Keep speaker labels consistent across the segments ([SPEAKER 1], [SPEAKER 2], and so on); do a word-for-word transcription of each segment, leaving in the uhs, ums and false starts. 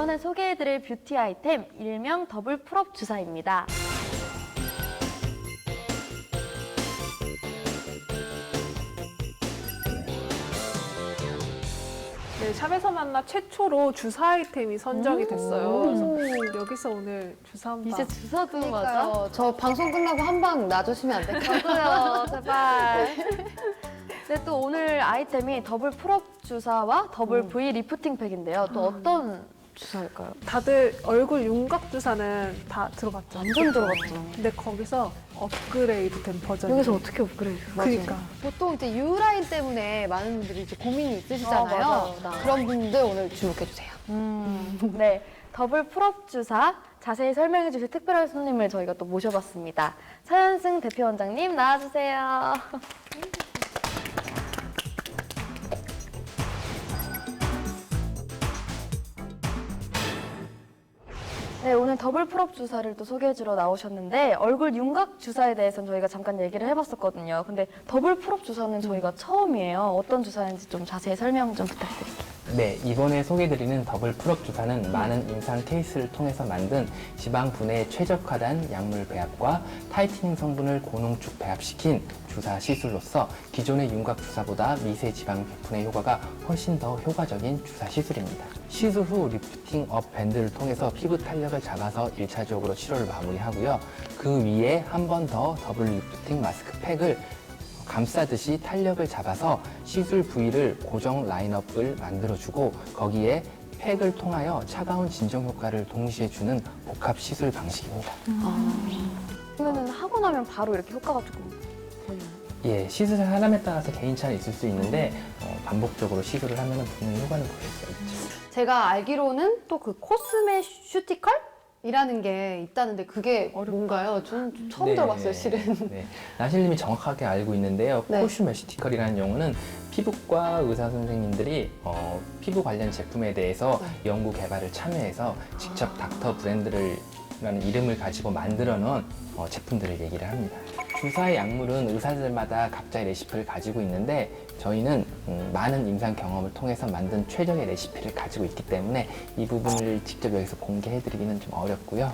[SPEAKER 1] 이번에 소개해드릴 뷰티 아이템, 일명 더블 풀업 주사입니다.
[SPEAKER 2] 네, 샵에서 만나 최초로 주사 아이템이 선정이 됐어요. 그래서 여기서 오늘 주사 한 방.
[SPEAKER 1] 이제 주사도 맞아?
[SPEAKER 3] 그러니까요. 저 방송 끝나고 한 방 놔주시면 안 될까요?
[SPEAKER 1] 저도요, 제발. 네, 또 오늘 아이템이 더블 풀업 주사와 더블 V 리프팅 팩인데요. 또 어떤 주사일까요?
[SPEAKER 2] 다들 얼굴 윤곽 주사는 다 들어봤죠?
[SPEAKER 1] 완전 들어갔죠.
[SPEAKER 2] 근데 거기서 업그레이드 된 버전.
[SPEAKER 1] 여기서 어떻게 업그레이드?
[SPEAKER 2] 그러니까.
[SPEAKER 3] 보통 이제 유라인 때문에 많은 분들이 이제 고민이 있으시잖아요.
[SPEAKER 1] 어, 맞아, 나.
[SPEAKER 3] 그런 분들 오늘 주목해주세요.
[SPEAKER 1] 음, 네, 더블 풀업 주사 자세히 설명해 주실 특별한 손님을 저희가 또 모셔봤습니다. 차현승 대표 원장님 나와주세요. 네, 오늘 더블 풀업 주사를 또 소개해주러 나오셨는데 얼굴 윤곽 주사에 대해서는 저희가 잠깐 얘기를 해봤었거든요. 근데 더블 풀업 주사는 저희가 처음이에요. 어떤 주사인지 좀 자세히 설명 좀 부탁드릴게요.
[SPEAKER 4] 네, 이번에 소개드리는 더블 풀업 주사는 많은 임상 케이스를 통해서 만든 지방 분해에 최적화된 약물 배합과 타이트닝 성분을 고농축 배합시킨 주사 시술로서 기존의 윤곽 주사보다 미세 지방 분해 효과가 훨씬 더 효과적인 주사 시술입니다. 시술 후 리프팅 업 밴드를 통해서 피부 탄력을 잡아서 일 차적으로 치료를 마무리하고요. 그 위에 한 번 더 더블 리프팅 마스크 팩을 감싸듯이 탄력을 잡아서 시술 부위를 고정 라인업을 만들어주고 거기에 팩을 통하여 차가운 진정 효과를 동시에 주는 복합 시술 방식입니다.
[SPEAKER 1] 그러면 하고 나면 바로 이렇게 효과가 조금 보이나요?
[SPEAKER 4] 예, 시술 사람에 따라서 개인차는 있을 수 있는데 어, 반복적으로 시술을 하면 분명히 효과는 보일 수 있죠.
[SPEAKER 3] 제가 알기로는 또 그 코스메 슈티컬? 이라는 게 있다는데 그게 뭔가요? 전 처음
[SPEAKER 4] 네,
[SPEAKER 3] 들어봤어요, 실은.
[SPEAKER 4] 네, 나실님이 정확하게 알고 있는데요.
[SPEAKER 3] 네.
[SPEAKER 4] 코슈메시티컬이라는 용어는 피부과 의사 선생님들이 어, 피부 관련 제품에 대해서
[SPEAKER 3] 네.
[SPEAKER 4] 연구 개발을 참여해서 직접 닥터 브랜드를 라는 이름을 가지고 만들어 놓은 어, 제품들을 얘기를 합니다. 주사의 약물은 의사들마다 각자의 레시피를 가지고 있는데 저희는 음, 많은 임상 경험을 통해서 만든 최적의 레시피를 가지고 있기 때문에 이 부분을 직접 여기서 공개해드리기는 좀 어렵고요.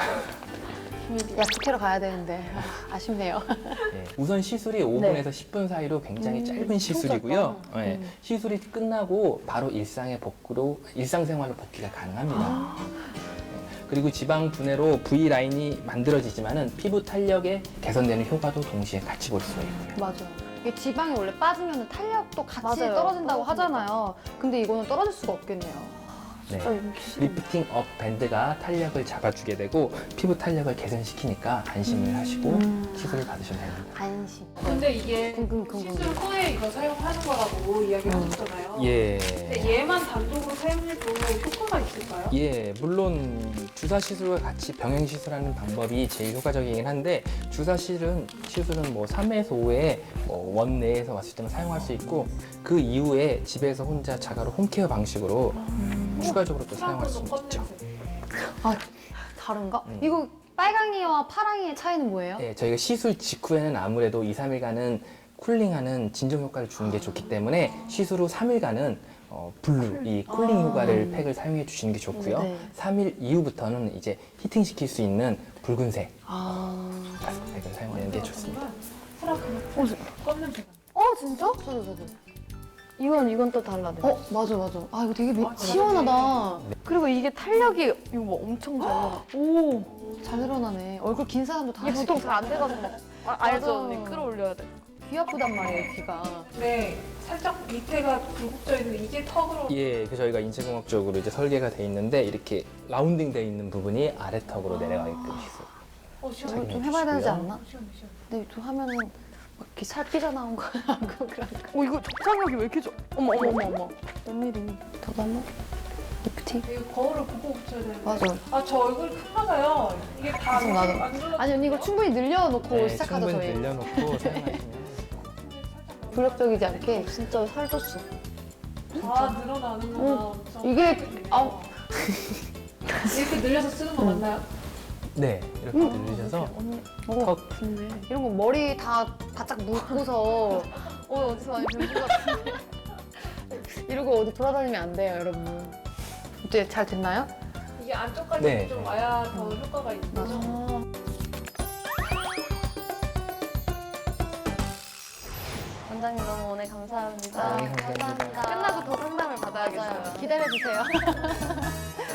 [SPEAKER 3] 약속해러 가야 되는데 아, 아쉽네요.
[SPEAKER 4] 네, 우선 시술이 오 분에서 십 분 사이로 굉장히 짧은 시술이고요. 네, 시술이 끝나고 바로 일상의 복구로 일상생활로 복귀가 가능합니다. 그리고 지방 분해로 V 라인이 만들어지지만은 피부 탄력에 개선되는 효과도 동시에 같이 볼 수가 있고요.
[SPEAKER 3] 맞아. 이게 지방이 원래 빠지면 탄력도 같이
[SPEAKER 1] 맞아요.
[SPEAKER 3] 떨어진다고
[SPEAKER 1] 떨어지니까.
[SPEAKER 3] 하잖아요. 근데 이거는 떨어질 수가 없겠네요.
[SPEAKER 4] 네, 리프팅 업 밴드가 탄력을 잡아주게 되고 피부 탄력을 개선시키니까 안심을 하시고 시술을 받으시면 됩니다.
[SPEAKER 3] 안심.
[SPEAKER 2] 근데 이게
[SPEAKER 3] 궁금, 궁금.
[SPEAKER 2] 시술 후에 이거 사용하는 거라고 이야기를 하셨잖아요.
[SPEAKER 4] 예.
[SPEAKER 2] 근데 얘만 단독으로 사용해도 효과가 있을까요?
[SPEAKER 4] 예, 물론 주사 시술과 같이 병행 시술하는 방법이 제일 효과적이긴 한데 주사 시술은 시술은 뭐 삼 회에서 오 회 뭐 원 내에서 왔을 때만 사용할 수 있고 그 이후에 집에서 혼자 자가로 홈케어 방식으로 추가적으로 또 사용할 수 있죠.
[SPEAKER 3] 아, 다른가?
[SPEAKER 4] 음.
[SPEAKER 3] 이거 빨강이와 파랑이의 차이는 뭐예요?
[SPEAKER 4] 네, 저희가 시술 직후에는 아무래도 이, 삼 일간은 쿨링하는 진정 효과를 주는 게 좋기 때문에 시술 후 삼 일간은 어, 블루, 이 쿨링 효과를 팩을 사용해 주시는 게 좋고요.
[SPEAKER 3] 네.
[SPEAKER 4] 삼 일 이후부터는 이제 히팅시킬 수 있는 붉은색
[SPEAKER 3] 아,
[SPEAKER 4] 마스크팩을 사용하는 게 좋습니다.
[SPEAKER 2] 껌 냄새가.
[SPEAKER 3] 어 진짜? 저도 저도.
[SPEAKER 1] 이건 이건 또 달라요.
[SPEAKER 3] 어 맞아 맞아. 아 이거 되게 미-
[SPEAKER 2] 아,
[SPEAKER 3] 시원하다.
[SPEAKER 1] 그리고 이게 탄력이 이거 뭐 엄청 잘 나가. 오,
[SPEAKER 3] 잘 늘어나네. 얼굴 긴 사람도 다
[SPEAKER 1] 이게
[SPEAKER 3] 할 수
[SPEAKER 1] 보통
[SPEAKER 3] 있겠다.
[SPEAKER 1] 잘 안 돼가지고 막 아, 알죠
[SPEAKER 3] 맞아.
[SPEAKER 1] 언니 끌어올려야 돼.
[SPEAKER 3] 귀 아프단 말이에요 귀가.
[SPEAKER 2] 네, 살짝 밑에가 굴곡져 있는 이게 턱으로.
[SPEAKER 4] 예, 그 저희가 인체공학적으로 이제 설계가 돼 있는데 이렇게 라운딩 돼 있는 부분이 아래턱으로 내려가게끔 시술.
[SPEAKER 2] 어, 시원해.
[SPEAKER 3] 이거 좀 해봐야 되지 않나?
[SPEAKER 2] 시원해, 시원해.
[SPEAKER 3] 근데 좀 하면은 막 이렇게 살 삐져나온 거 하고 그런가?
[SPEAKER 1] 오 이거 적장력이 왜 이렇게 좋아? 어머 어머 어머 어머. 웬일이?
[SPEAKER 3] 저도 한번 리프팅.
[SPEAKER 2] 이거 거울을 보고 붙여야 되는데.
[SPEAKER 3] 맞아.
[SPEAKER 2] 아, 저 얼굴 큰가 봐요. 이게 다
[SPEAKER 3] 계속 나도.
[SPEAKER 2] 안 눌러.
[SPEAKER 3] 아니 언니 이거 충분히 늘려놓고
[SPEAKER 4] 네,
[SPEAKER 3] 시작하죠
[SPEAKER 4] 충분히
[SPEAKER 3] 저희.
[SPEAKER 4] 늘려놓고 사용하시면
[SPEAKER 3] 불협적이지 않게.
[SPEAKER 1] 진짜 살쪘어.
[SPEAKER 2] 아, 늘어나는구나. 엄청.
[SPEAKER 3] 이게 아
[SPEAKER 2] 이렇게 늘려서 쓰는 거 맞나요?
[SPEAKER 4] 네, 이렇게 늘리셔서
[SPEAKER 1] 언니
[SPEAKER 4] 턱
[SPEAKER 1] 좋네.
[SPEAKER 3] 이런 거 머리 다 바짝 묶고서 어 어디서 많이 배운 것 같은데 이러고 어디 돌아다니면 안 돼요 여러분. 이제 잘 됐나요?
[SPEAKER 2] 이게 안쪽까지
[SPEAKER 4] 네.
[SPEAKER 2] 좀 와야 더 효과가 있는 거죠.
[SPEAKER 1] 원장님 너무 오늘 감사합니다.
[SPEAKER 4] 아, 네, 감사합니다.
[SPEAKER 1] 끝나고 더 상담을 받아야겠어요.
[SPEAKER 3] 기다려주세요.